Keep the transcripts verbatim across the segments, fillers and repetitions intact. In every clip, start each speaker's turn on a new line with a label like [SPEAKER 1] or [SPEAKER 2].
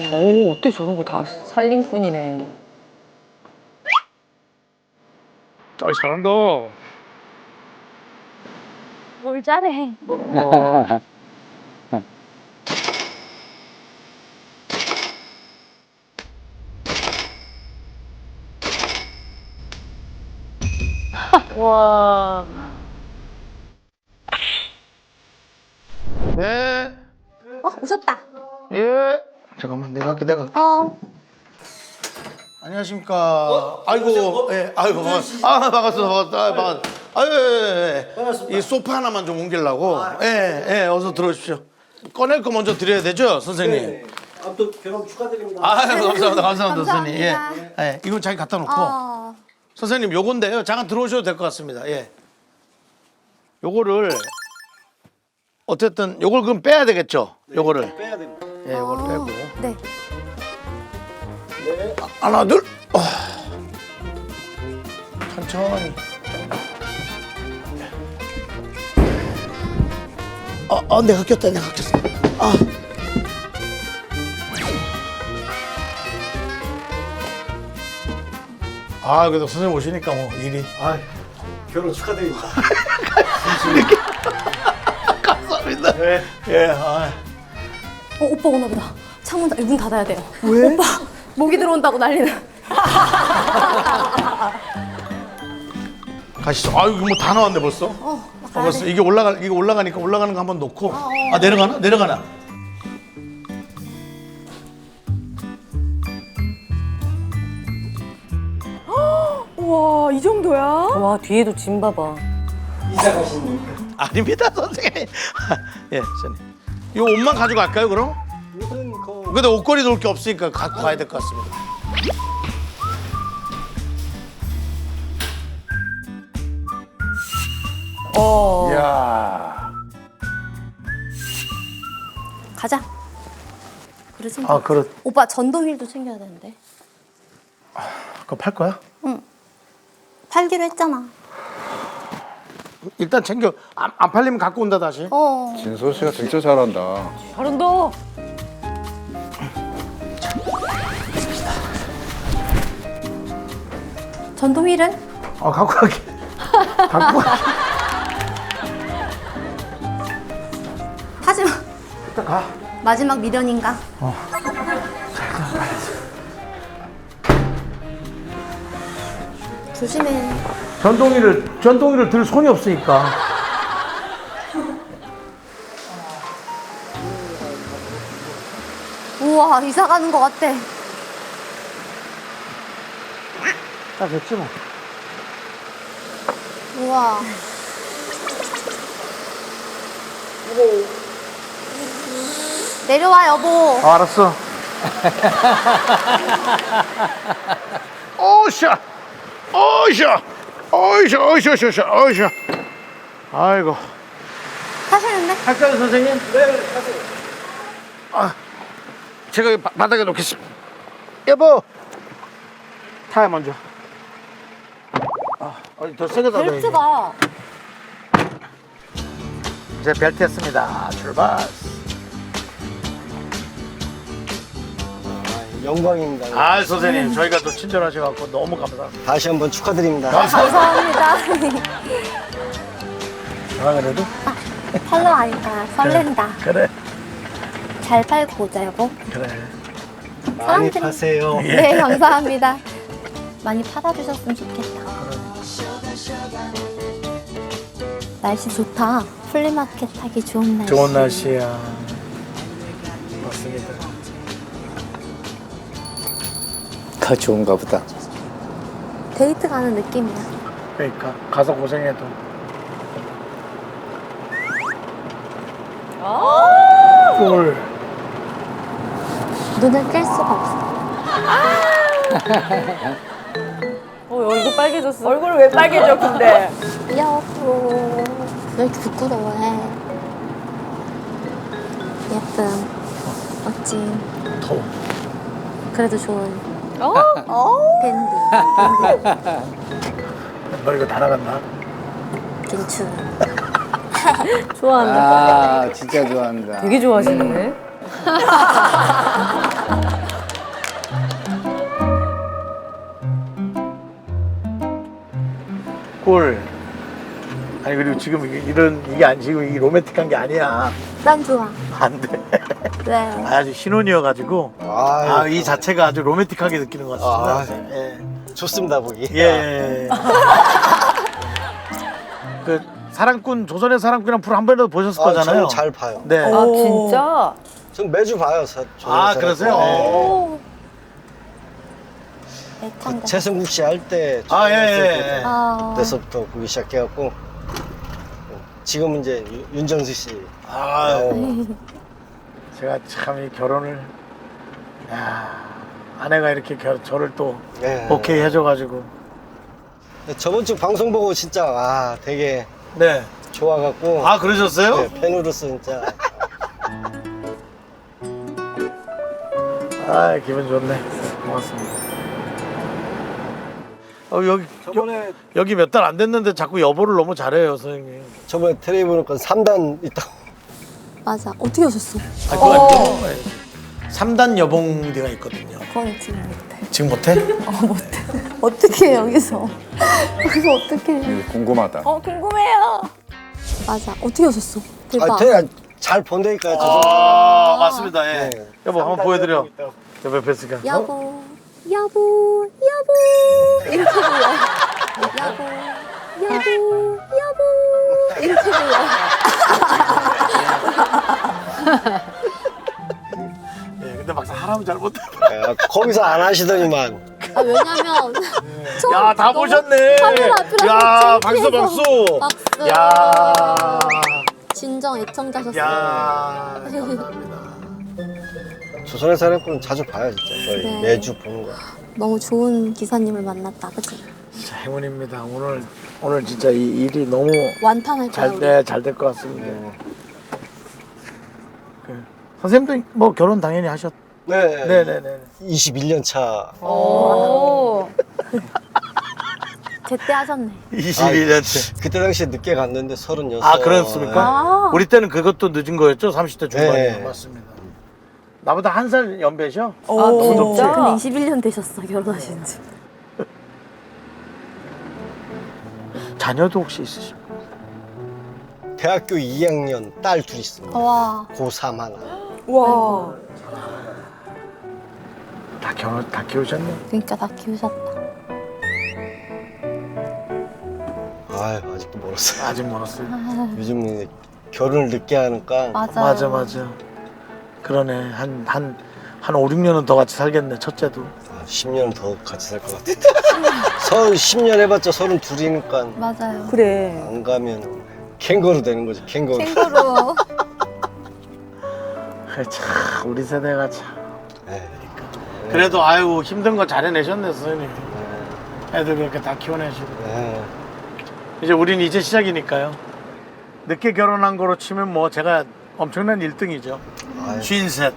[SPEAKER 1] 오, 어때 저런 거 다 살림꾼이네.
[SPEAKER 2] 아, 잘한다.
[SPEAKER 3] 뭘 잘해.
[SPEAKER 2] 와.
[SPEAKER 1] 와.
[SPEAKER 2] 네.
[SPEAKER 3] 어, 오셨다.
[SPEAKER 2] 예. 잠깐만, 내가 할게, 내가 할게.
[SPEAKER 3] 어.
[SPEAKER 4] 안녕하십니까. 아이고, 예, 아이고, 반갑습니다. 아, 반갑습니다. 반갑습니다. 아, 반갑습니다. 아유, 예, 예. 이 소파 하나만 좀 옮기려고. 예, 예, 어서 들어오십시오. 꺼낼 거 먼저 드려야 되죠, 선생님?
[SPEAKER 5] 네. 아무튼 결혼 축하드립니다.
[SPEAKER 4] 아유, 감사합니다. 감사합니다, 선생님. 예.
[SPEAKER 3] 감사합니다.
[SPEAKER 4] 예, 이건 자기 갖다 놓고.
[SPEAKER 3] 어.
[SPEAKER 4] 선생님, 요건데요. 잠깐 들어오셔도 될 것 같습니다. 예. 요거를, 어쨌든, 요걸 그럼 빼야 되겠죠? 요거를.
[SPEAKER 5] 빼야 됩니다.
[SPEAKER 4] 예, 요걸 빼고.
[SPEAKER 3] 네.
[SPEAKER 4] 하나, 둘. 어. 천천히. 어, 어, 내가 꼈다, 내가 꼈어. 아. 아, 그래도 선생님 오시니까 뭐 일이.
[SPEAKER 5] 아, 결혼 축하드립니다.
[SPEAKER 4] 감사합니다.
[SPEAKER 5] 네.
[SPEAKER 4] 예, 아.
[SPEAKER 3] 어, 오빠 오나 보다. 창문 닫- 문 닫아야 돼요. 왜? 오빠 모기 들어온다고 난리는.
[SPEAKER 4] 가시죠. 아유, 이거 뭐 다 나왔네 벌써.
[SPEAKER 3] 어, 나
[SPEAKER 4] 아,
[SPEAKER 3] 가야
[SPEAKER 4] 벌써
[SPEAKER 3] 돼.
[SPEAKER 4] 이게 올라가 이게 올라가니까 올라가는 거 한번 놓고.
[SPEAKER 3] 어.
[SPEAKER 4] 아, 내려가나? 내려가나?
[SPEAKER 1] 우와, 이 정도야? 와, 뒤에도 짐 봐봐.
[SPEAKER 5] 이사 가신 분.
[SPEAKER 4] 아닙니다, 선생님. 예, 선생님. 이 옷만 가져갈까요, 그럼?
[SPEAKER 5] 옷은 그
[SPEAKER 4] 근데 옷걸이 놓을 게 없으니까 갖고 가야 될 것 같습니다.
[SPEAKER 1] 어.
[SPEAKER 4] 이야.
[SPEAKER 3] 가자. 그래 챙겨.
[SPEAKER 4] 아, 그렇.
[SPEAKER 3] 오빠 전동 휠도 챙겨야 되는데.
[SPEAKER 4] 그거 팔 거야?
[SPEAKER 3] 팔기로 했잖아.
[SPEAKER 4] 일단 챙겨. 안, 안 팔리면 갖고 온다 다시.
[SPEAKER 3] 어.
[SPEAKER 2] 진서 씨가 진짜 잘한다.
[SPEAKER 1] 잘한다.
[SPEAKER 3] 전동 휠은?
[SPEAKER 4] 어, 갖고 갈게. 갖고 갈게.
[SPEAKER 3] 타지 마.
[SPEAKER 4] 일단 가.
[SPEAKER 3] 마지막 미련인가? 조심해.
[SPEAKER 4] 전동이를 전동이를 들 손이 없으니까.
[SPEAKER 3] 우와, 이사 가는 것 같아.
[SPEAKER 4] 딱 됐지 뭐.
[SPEAKER 3] 우와. 내려와, 여보.
[SPEAKER 4] 아, 알았어. 오샤, 오샤, 오샤, 오샤, 오샤, 오샤. 아이고.
[SPEAKER 3] 타시는데?
[SPEAKER 4] 할까요, 선생님? 네, 하세요. 아, 제가 바, 바닥에 놓겠습니다. 여보, 타야 먼저. 아, 어디 더 세게 닫아야지.
[SPEAKER 3] 벨트가.
[SPEAKER 4] 이제 벨트 했습니다. 출발.
[SPEAKER 5] 영광입니다.
[SPEAKER 4] 아, 선생님, 저희가 또 친절하셔갖고 너무 감사합니다.
[SPEAKER 5] 다시 한번 축하드립니다.
[SPEAKER 3] 감사합니다.
[SPEAKER 4] 아, 그래도?
[SPEAKER 3] 팔로 하니까 설렌다.
[SPEAKER 4] 그래,
[SPEAKER 3] 잘 팔고 오자, 여보.
[SPEAKER 4] 그래.
[SPEAKER 5] 많이
[SPEAKER 3] 사람들이-
[SPEAKER 5] 파세요.
[SPEAKER 3] 네, 감사합니다. 많이 팔아주셨으면 좋겠다. 날씨 좋다. 플리마켓 하기 좋은 날씨.
[SPEAKER 4] 좋은 날씨야. 맞습니다.
[SPEAKER 2] 가 좋은가 보다.
[SPEAKER 3] 데이트 가는 느낌이야.
[SPEAKER 4] 그러니까 가서 고생해도. 꿀.
[SPEAKER 3] 눈을 뗄 수가 없어.
[SPEAKER 1] 어, 얼굴 빨개졌어. 얼굴 왜 빨개져, 근데?
[SPEAKER 3] 여보, 왜 이렇게 부끄러워해? 예쁨, 멋짐,
[SPEAKER 4] 더워.
[SPEAKER 3] 그래도 좋은
[SPEAKER 1] 어?
[SPEAKER 3] 댄디,
[SPEAKER 4] 너 이거 다 나갔나?
[SPEAKER 3] 괜춘.
[SPEAKER 1] 좋아한다.
[SPEAKER 2] 아, 진짜 좋아한다.
[SPEAKER 1] 되게 좋아하시네.
[SPEAKER 4] 꿀. 아니 그리고 지금 이게 이런 이게 안 지금 이 로맨틱한 게 아니야.
[SPEAKER 3] 난 좋아.
[SPEAKER 4] 안 돼.
[SPEAKER 3] 네.
[SPEAKER 4] 아주 신혼이어가지고
[SPEAKER 5] 아유.
[SPEAKER 4] 아, 이 자체가 아주 로맨틱하게 느끼는 것 같습니다.
[SPEAKER 5] 아.
[SPEAKER 4] 예.
[SPEAKER 5] 좋습니다 보기.
[SPEAKER 4] 예. 예. 그 사랑꾼 조선의 사랑꾼이란 프로 한 번이라도 보셨을
[SPEAKER 5] 아,
[SPEAKER 4] 거잖아요.
[SPEAKER 5] 저는 잘 봐요.
[SPEAKER 4] 네.
[SPEAKER 1] 아 진짜?
[SPEAKER 5] 전 매주 봐요. 사,
[SPEAKER 4] 아,
[SPEAKER 5] 저는
[SPEAKER 4] 그러세요?
[SPEAKER 5] 네.
[SPEAKER 3] 오. 애창자.
[SPEAKER 5] 최승국 씨 할 때.
[SPEAKER 4] 아, 예, 예, 예.
[SPEAKER 3] 아.
[SPEAKER 5] 그때서부터 보기 시작해갖고 지금은 이제 유- 윤정수 씨.
[SPEAKER 4] 아,
[SPEAKER 5] 나오고.
[SPEAKER 4] 제가 참 이 결혼을 야, 아내가 이렇게 결, 저를 또
[SPEAKER 5] 네.
[SPEAKER 4] 오케이 해줘가지고
[SPEAKER 5] 저번 주 방송 보고 진짜 아 되게
[SPEAKER 4] 네.
[SPEAKER 5] 좋아갖고.
[SPEAKER 4] 아 그러셨어요?
[SPEAKER 5] 네, 팬으로서 진짜.
[SPEAKER 4] 아 기분 좋네. 고맙습니다. 어, 여기
[SPEAKER 5] 저번에
[SPEAKER 4] 여기 몇 달 안 됐는데 자꾸 여보를 너무 잘해요 선생님.
[SPEAKER 5] 저번에 텔레비 보니까 삼 단 있다고.
[SPEAKER 3] 맞아. 어떻게 오셨어?
[SPEAKER 4] 아 그거 아니죠? 삼 단 여봉대가 있거든요.
[SPEAKER 3] 그건 지금 못해.
[SPEAKER 4] 지금 못해?
[SPEAKER 3] 어, 못해. 어떻게 해, 여기서? 여기서 어떻게 해?
[SPEAKER 2] 이거 궁금하다.
[SPEAKER 1] 어 궁금해요.
[SPEAKER 3] 맞아. 어떻게 오셨어? 대박.
[SPEAKER 5] 아, 되게 잘 본다니까요. 저
[SPEAKER 4] 아 맞습니다. 예.
[SPEAKER 5] 네.
[SPEAKER 4] 여보 한번 보여드려. 여보 뵀으니까.
[SPEAKER 3] 여보, 여보, 여보. 이렇게 불러. 여보, 여보, 여보. 이렇게 불러.
[SPEAKER 4] 예, 근데 막상 하라면 잘 못해.
[SPEAKER 5] 야, 거기서 안 하시더니만.
[SPEAKER 3] 아, 왜냐면. 처음
[SPEAKER 4] 야 다
[SPEAKER 3] 너무
[SPEAKER 4] 보셨네.
[SPEAKER 3] 카메라 앞이라서
[SPEAKER 4] 야 박수
[SPEAKER 3] 창피해서.
[SPEAKER 4] 박수.
[SPEAKER 3] 박수.
[SPEAKER 4] 야.
[SPEAKER 3] 진정 애청자셨어요.
[SPEAKER 4] 야. 감사합니다.
[SPEAKER 5] 조선의 사랑꾼은 자주 봐요, 진짜. 거의
[SPEAKER 3] 네.
[SPEAKER 5] 매주 보는 거.
[SPEAKER 3] 너무 좋은 기사님을 만났다, 그치?
[SPEAKER 4] 진짜 행운입니다. 오늘 오늘 진짜 이 일이 너무
[SPEAKER 3] 완판할 거야,
[SPEAKER 4] 잘
[SPEAKER 3] 우리.
[SPEAKER 4] 돼, 잘 될 것 같습니다. 그, 선생님도 뭐 결혼 당연히 하셨.
[SPEAKER 5] 네.
[SPEAKER 4] 네네네.
[SPEAKER 5] 이십일 년 차.
[SPEAKER 1] 오.
[SPEAKER 3] 제때 하셨네.
[SPEAKER 4] 이십일 년째.
[SPEAKER 5] 그때 당시에 늦게 갔는데 서른여섯.
[SPEAKER 4] 아 그렇습니까?
[SPEAKER 1] 아.
[SPEAKER 4] 우리 때는 그것도 늦은 거였죠. 삼십 대 중반이요.
[SPEAKER 5] 네.
[SPEAKER 4] 맞습니다. 나보다 한 살 연배셔?
[SPEAKER 1] 아
[SPEAKER 4] 너무
[SPEAKER 1] 진짜?
[SPEAKER 3] 근데 이십일 년 되셨어, 결혼하신 지.
[SPEAKER 4] 자녀도 혹시 있으십니까?
[SPEAKER 5] 대학교 이 학년 딸 둘 있습니다.
[SPEAKER 3] 와.
[SPEAKER 5] 고삼 하나.
[SPEAKER 1] 와.
[SPEAKER 4] 다 결혼 다 키우셨네.
[SPEAKER 3] 그러니까 다 키우셨다.
[SPEAKER 5] 아유, 아직도 멀었어요.
[SPEAKER 4] 아직 멀었어요.
[SPEAKER 5] 요즘은 결혼을 늦게 하니까.
[SPEAKER 3] 맞아.
[SPEAKER 4] 맞아 맞아. 그러네. 한 한 한 오, 육 년은 더 같이 살겠네. 첫째도.
[SPEAKER 5] 아, 십 년은 더 같이 살 것 같은데. 서른 십 년 해봤자 서른 둘이니까
[SPEAKER 3] 맞아요.
[SPEAKER 1] 그래.
[SPEAKER 5] 안 가면 캥거루 되는 거지. 캥거루.
[SPEAKER 3] 캥거루.
[SPEAKER 4] 참 우리 세대가 참.
[SPEAKER 5] 에이,
[SPEAKER 4] 그래도 아유 힘든 거 잘 해내셨네 선생님. 애들 그렇게 다 키워내시고.
[SPEAKER 5] 에이.
[SPEAKER 4] 이제 우린 이제 시작이니까요. 늦게 결혼한 거로 치면 뭐 제가 엄청난 일 등이죠.
[SPEAKER 5] 아유.
[SPEAKER 4] 쉰셋.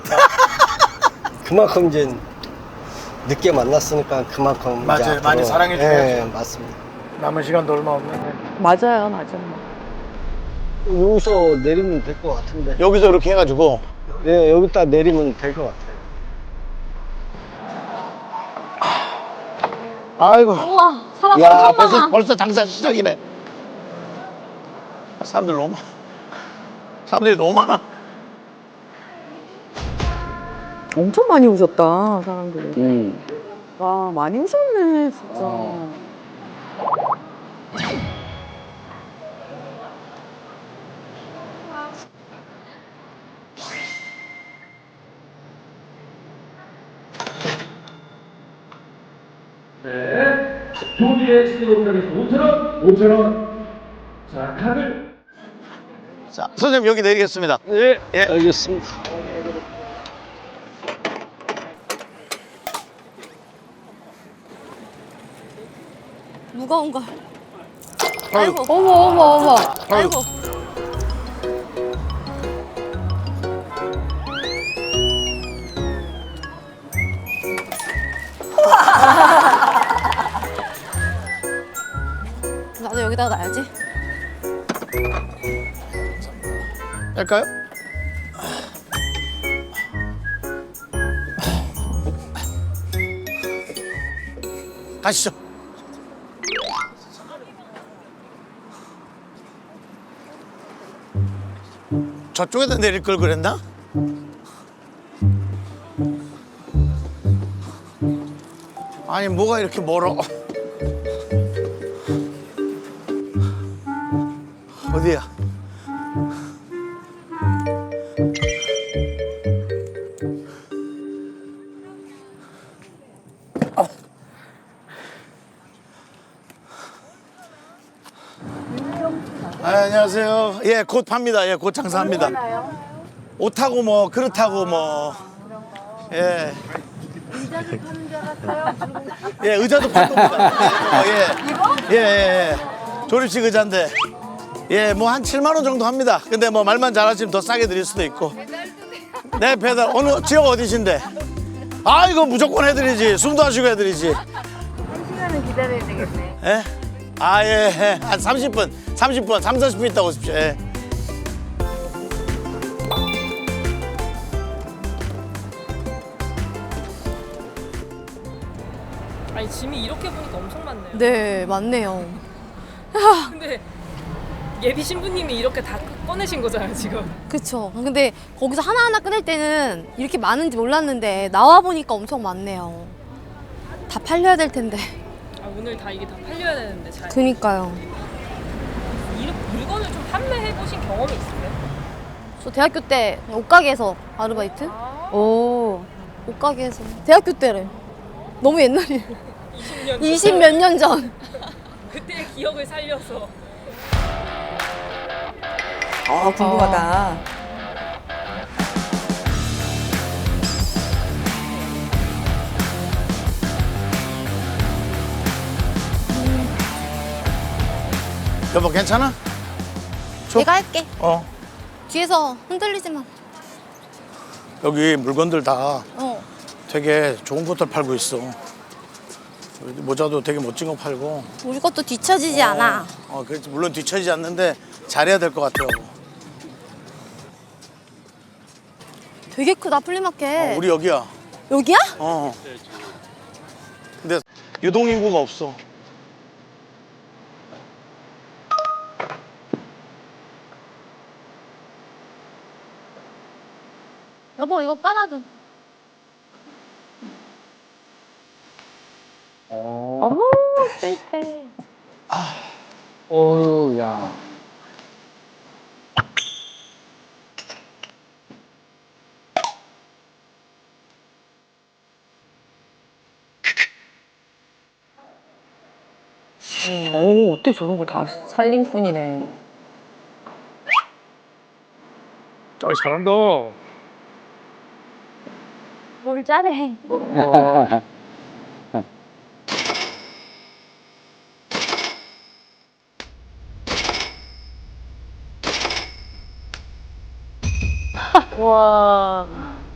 [SPEAKER 5] 그만큼 이제 늦게 만났으니까 그만큼
[SPEAKER 4] 맞아요.
[SPEAKER 5] 이제 앞으로-
[SPEAKER 4] 많이 사랑해 줘야죠.
[SPEAKER 5] 예, 맞습니다.
[SPEAKER 4] 남은 시간도 얼마 없는데.
[SPEAKER 1] 맞아요, 맞아.
[SPEAKER 5] 여기서 내리면 될 것 같은데.
[SPEAKER 4] 여기서 이렇게 해가지고.
[SPEAKER 5] 네, 여기다 내리면 될 것 같아요.
[SPEAKER 4] 아이고.
[SPEAKER 3] 우와, 사람
[SPEAKER 4] 야
[SPEAKER 3] 엄청
[SPEAKER 4] 벌써
[SPEAKER 3] 많아.
[SPEAKER 4] 벌써 장사 시작이네. 사람들 너무 많아. 사람들이 너무 많아.
[SPEAKER 1] 엄청 많이 오셨다, 사람들이. 와, 많이 오셨네, 진짜.
[SPEAKER 6] 조기의 시대금액에서 오천 원, 오천 원. 자, 카드.
[SPEAKER 4] 자 선생님 여기 내리겠습니다.
[SPEAKER 5] 예, 예. 알겠습니다.
[SPEAKER 3] 무거운 걸. 아이고.
[SPEAKER 1] 어머, 어머, 어머.
[SPEAKER 3] 아이고. 나도 여기다가 놔야지.
[SPEAKER 4] 할까요? 가시죠. 저쪽에다 내릴 걸 그랬나? 아니 뭐가 이렇게 멀어? 어디야? 아, 안녕하세요. 예, 곧 팝니다. 예, 곧 장사합니다. 옷하고 뭐 그렇다고 뭐. 예. 의자도 파는 줄 알았어요. 예, 의자도 팔 겁니다. 어, 예. 이거? 예, 예, 예. 조립식 의자인데. 예, 뭐 한 칠만 원 정도 합니다. 근데 뭐 말만 잘하시면 더 싸게 드릴 수도 있고. 네, 배달. 어느 지역 어디신데? 아, 이거 무조건 해드리지. 숨도 안 쉬고 해드리지.
[SPEAKER 1] 한 시간은 기다려야 되겠네.
[SPEAKER 4] 예? 아, 예, 예. 한 삼십 분, 삼십 분, 삼, 사십 분 있다 오십시오. 예.
[SPEAKER 7] 아니 짐이 이렇게 보니까 엄청 많네요.
[SPEAKER 3] 네, 맞네요.
[SPEAKER 7] 근데 예비 신부님이 이렇게 다 꺼내신 거잖아요 지금.
[SPEAKER 3] 그쵸. 근데 거기서 하나하나 꺼낼 때는 이렇게 많은지 몰랐는데 나와 보니까 엄청 많네요. 다 팔려야 될 텐데.
[SPEAKER 7] 아, 오늘 다 이게 다 팔려야 되는데 잘.
[SPEAKER 3] 그니까요.
[SPEAKER 7] 이 물건을 좀 판매해 보신 경험이 있으세요?
[SPEAKER 3] 저 대학교 때 옷가게에서 아르바이트? 오. 옷가게에서. 대학교 때래. 너무 옛날이에요.
[SPEAKER 7] 이십 년.
[SPEAKER 3] 이십 몇 년 전.
[SPEAKER 7] 그때의 기억을 살려서.
[SPEAKER 1] 아, 궁금하다.
[SPEAKER 4] 여보 괜찮아? 줘.
[SPEAKER 3] 내가 할게.
[SPEAKER 4] 어.
[SPEAKER 3] 뒤에서 흔들리지 마.
[SPEAKER 4] 여기 물건들 다
[SPEAKER 3] 어.
[SPEAKER 4] 되게 좋은 것들 팔고 있어. 모자도 되게 멋진 거 팔고.
[SPEAKER 3] 우리 것도 뒤처지지 않아.
[SPEAKER 4] 어, 그렇지. 물론 뒤처지지 않는데 잘해야 될 것 같아요.
[SPEAKER 3] 되게 크다 플리마켓.
[SPEAKER 4] 어, 우리 여기야.
[SPEAKER 3] 여기야?
[SPEAKER 4] 어. 근데 유동 인구가 없어.
[SPEAKER 3] 여보 이거 깔아줘.
[SPEAKER 1] 어머, 쎄쎄.
[SPEAKER 2] 어휴, 야.
[SPEAKER 1] 오, 어때 저런 걸 다 살림꾼이네.
[SPEAKER 6] 아, 잘한다.
[SPEAKER 3] 뭘 잘해.
[SPEAKER 1] 와.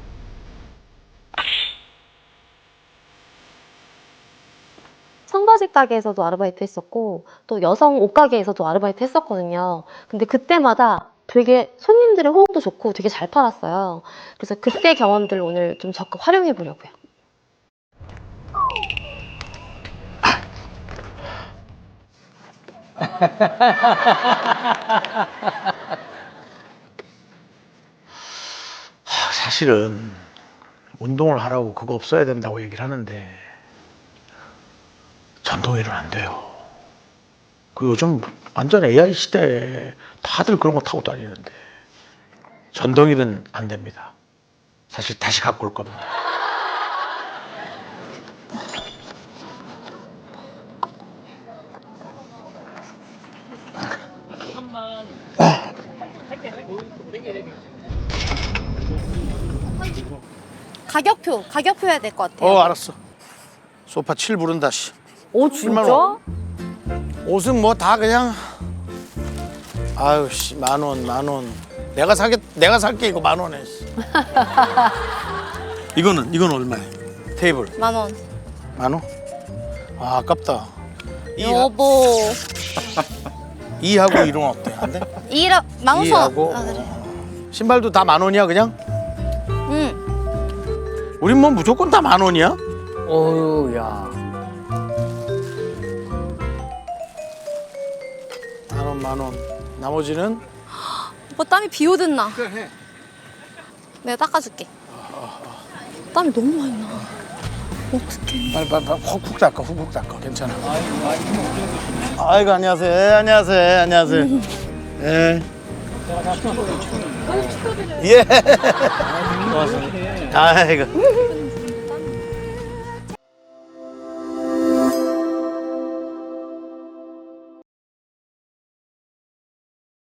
[SPEAKER 8] 청바지 가게에서도 아르바이트 했었고 또 여성 옷 가게에서도 아르바이트 했었거든요. 근데 그때마다 되게 손님들의 호응도 좋고 되게 잘 팔았어요. 그래서 그때 경험들 오늘 좀 적극 활용해 보려고요.
[SPEAKER 4] 사실은 운동을 하라고 그거 없어야 된다고 얘기를 하는데 전동휠은 안 돼요. 그 요즘 완전 에이아이 시대에 다들 그런 거 타고 다니는데 전동휠은 안 됩니다. 사실 다시 갖고 올 겁니다.
[SPEAKER 3] 가격표, 가격표 해야 될 것 같아요.
[SPEAKER 4] 어 알았어. 소파 칠 부른다 씨.
[SPEAKER 1] 오,
[SPEAKER 4] 칠만
[SPEAKER 1] 진짜?
[SPEAKER 4] 원. 옷은 뭐 다 그냥 아유 씨 만 원, 만 원. 내가 사게 내가 살게 이거 만 원에. 씨. 이거는 이건 얼마야? 테이블
[SPEAKER 3] 만 원.
[SPEAKER 4] 만 원? 아 아깝다. 이
[SPEAKER 3] 여보.
[SPEAKER 4] 이하고 일은 어때? 안 돼?
[SPEAKER 3] 이라 만 오천
[SPEAKER 4] 이하고
[SPEAKER 3] 원. 아, 그래.
[SPEAKER 4] 신발도 다 만 원이야 그냥?
[SPEAKER 3] 응.
[SPEAKER 4] 우린 뭐 무조건 다 만 원이야?
[SPEAKER 2] 어휴, 야.
[SPEAKER 4] 만 원. 나머지는
[SPEAKER 3] 오빠 땀이 비 오듯 나. 내가 닦아줄게. 땀이 너무 많이 나. 어떡해.
[SPEAKER 4] 빨리 빨리 빨리 훅훅 닦아 훅훅 닦아 괜찮아. 아이고 안녕하세요. 예, 안녕하세요. 예, 안녕하세요. 예. 예. 고맙습니다. 아이고.